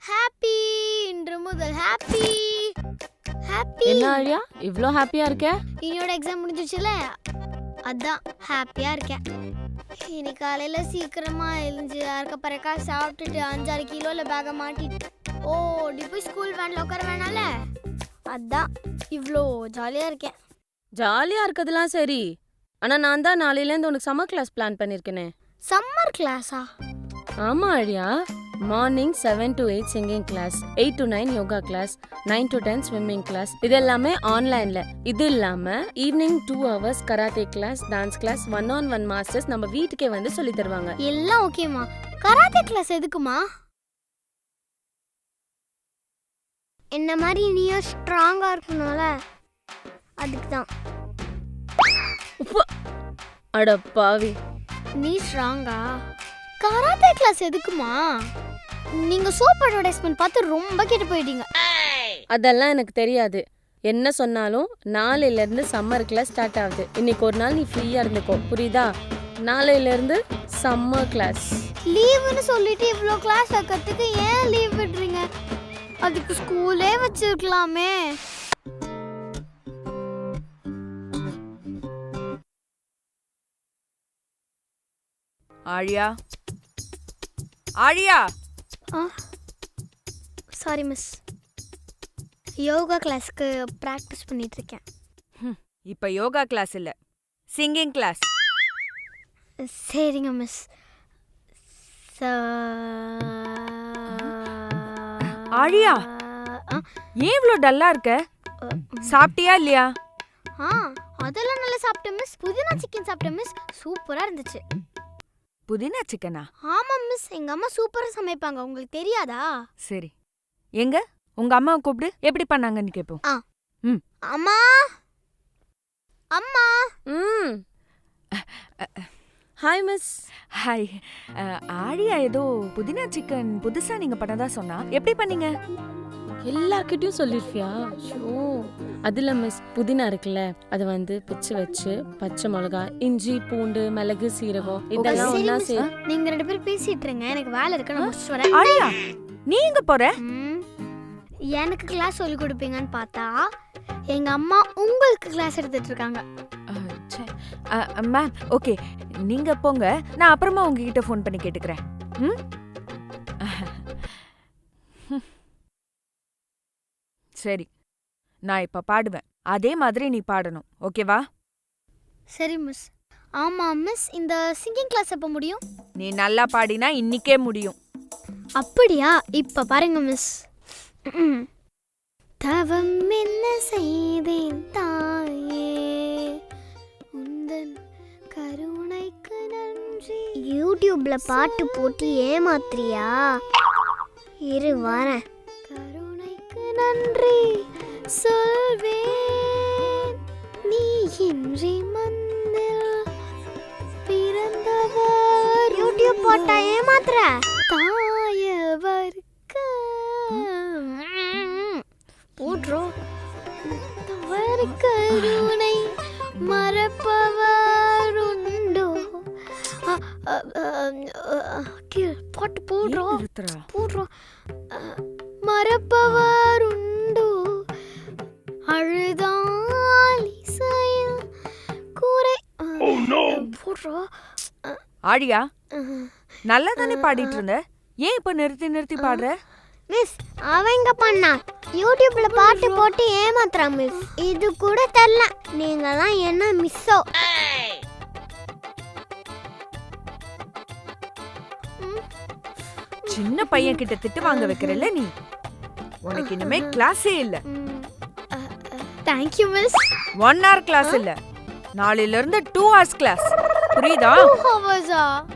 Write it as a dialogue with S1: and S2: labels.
S1: Happy இன்று முதல் happy happy.
S2: என்ன ஆழியா இவ்ளோ ஹாப்பியா இருக்க?
S1: என்னோட எக்ஸாம் முடிஞ்சிச்சுல, அதான் ஹாப்பியா இருக்கேன். இன்னைக்கு காலையில சீக்கிரமா எழுந்து அறக்க பறக்கா சாப்பிட்டுட்டு 5-6 கிலோல பேக மாட்டிட்டு ஓடி போய் ஸ்கூல் வேன்ல உட்கார வேணால, அதான் இவ்வளோ ஜாலியா இருக்கேன்.
S2: ஜாலியா இருக்கதெல்லாம் சரி, ஆனா நான் தான் நாளையிலேருந்து உனக்கு சம்மர் கிளாஸ் பிளான் பண்ணிருக்கேனே.
S1: சம்மர் கிளாஸா?
S2: ஆமா Aazhiya, morning 7 to 8 singing class, 8 to 9 yoga class, 9 to 10 swimming class. இது எல்லாமே ஆன்லைன்ல. இது இல்லாம evening 2 hours karate class, dance class, 1-on-1 masters நம்ம வீட்டுக்கே வந்து சொல்லி தருவாங்க.
S1: எல்லாம் ஓகேமா. கராத்தே கிளாஸ் எதுக்குமா? என்ன மாதிரி நீயும் ஸ்ட்ராங்கா இருக்கணும்ல, அதுக்கு தான்.
S2: அட பாவி,
S1: நீ ஸ்ட்ராங்கா? கராத்தே கிளாஸ் எதுக்குமா? நீங்க சோப் அட்வர்டைஸ்மென்ட் பார்த்து ரொம்ப கெட்டு போயிட்டீங்க.
S2: அதெல்லாம் எனக்கு தெரியாது. என்ன சொன்னாலும் நாளையில இருந்து சம்மர் கிளாஸ் ஸ்டார்ட் ஆகுது. இன்னைக்கு ஒரு நாள் நீ ஃப்ரீயா இருந்துக்கோ, புரியுதா? நாளையில இருந்து சம்மர் கிளாஸ்.
S1: லீவுன்னு சொல்லிட்டு இவ்ளோ கிளாஸ் வைக்கிறதுக்கு ஏன் லீவ் விடுறீங்க? அதுக்கு ஸ்கூலே வச்சிருக்கலாமே.
S3: ஆழியா, ஆழியா.
S1: சாரி மிஸ், யோகா கிளாஸ்க்கு பிராக்டிஸ் பண்ணிட்டு இருக்கேன்.
S3: இப்ப யோகா கிளாஸ் இல்ல, சிங்கிங் கிளாஸ்.
S1: சரிங்க மிஸ்.
S3: ஆழியா, ஏன் இவ்ளோ டல்லா இருக்க? சாப்பிட்டியா இல்லையா?
S1: அதெல்லாம் நல்லா சாப்பிட்டேன் மிஸ். புதினா சிக்கன் சாப்பிட்டேன் மிஸ், சூப்பரா இருந்துச்சு.
S3: புதினா சிக்கனா?
S1: ஆமா மிஸ், எங்க அம்மா சூப்பரா சமைப்பாங்க, உங்களுக்கு தெரியாதா?
S3: சரி, எங்க உங்க அம்மாவை கூப்பிடு, எப்படி பண்ணாங்கன்னு கேப்போம்.
S1: அம்மா அம்மா.
S2: Hi miss.
S3: ஹாய். ஆழியா ஏதோ புதினா சிக்கன் புதுசா நீங்க பண்ணதா சொன்னா, எப்படி பண்ணீங்க?
S2: எல்லார்கிட்டயும் சொல்லிருப்பியா? அதுல மிஸ், புதினா இருக்குல்ல, அது வந்து பிச்சு வச்சு பச்சை மிளகா, இஞ்சி, பூண்டு, மிளகு, சீரகம் இதெல்லாம் ஒண்ணா சேர்த்து.
S1: நீங்க 2 பேரும் பேசிட்டு இருங்க, எனக்கு வேலை இருக்கு, நான் முடிச்சிட்டு வரேன்.
S3: ஆழியா, நீ எங்க போற?
S1: எனக்கு கிளாஸ் சொல்லி கொடுப்பீங்கன்னு பார்த்தா எங்க அம்மா உங்களுக்கு கிளாஸ் எடுத்துட்டு இருக்காங்க.
S3: மேம், ஓகே, நீங்க போங்க, நான் அப்புறமா உங்ககிட்ட ஃபோன் பண்ணி கேட்டுக்கிறேன். சரி, நான் இப்ப பாடுவேன், அதே மாதிரி நீ பாடணும், ஓகேவா?
S1: சரி மிஸ். ஆமா மிஸ், இந்த சிங்கிங் கிளாஸ் எப்ப முடியும்?
S3: நீ நல்லா பாடினா இன்னிக்கே முடியும்.
S1: அப்படியா? இப்ப பாருங்க மிஸ். தவம் என்ன செய்தேன் தாயே, உந்தன் கருணைக்கு நன்றி. யூடியூப்ல பாட்டு போட்டு ஏமாத்துறியா? இரு வரேன். கருணைக்கு நன்றி சொல்வேன், நீ இன்றி மண்ணில் பிறந்தவர். யூடியூப் போட்டா ஏமாத்துற? தாயவர்க்கு போட்றோம். கருணை மறப்பவர் உண்டோ? பாட்டு போடுறோம் போடுறோம். மறப்பவர் உண்டோ? அழுதால் இசையில் கூரை போடுறோம்.
S3: ஆழியா, நல்லா தானே பாடிட்டு இருந்த, ஏன் இப்ப நிறுத்தி நிறுத்தி பாடுற?
S1: மிஸ், அவங்க பண்ணா யூடியூப்ல பாட்டு போட்டு ஏமாத்துறான் மிஸ். இது கூட தெரியல, நீங்கலாம் என்ன மிஸ்ஸோ?
S3: சின்ன பையன் கிட்ட திட்டு வாங்க வைக்கிறல்ல நீ, உனக்கு இனிமே கிளாஸே இல்ல.
S1: Thank you miss.
S3: 1 hour class இல்ல, நாளையில இருந்து 2 hours கிளாஸ், புரியுதா?
S1: 2 hours.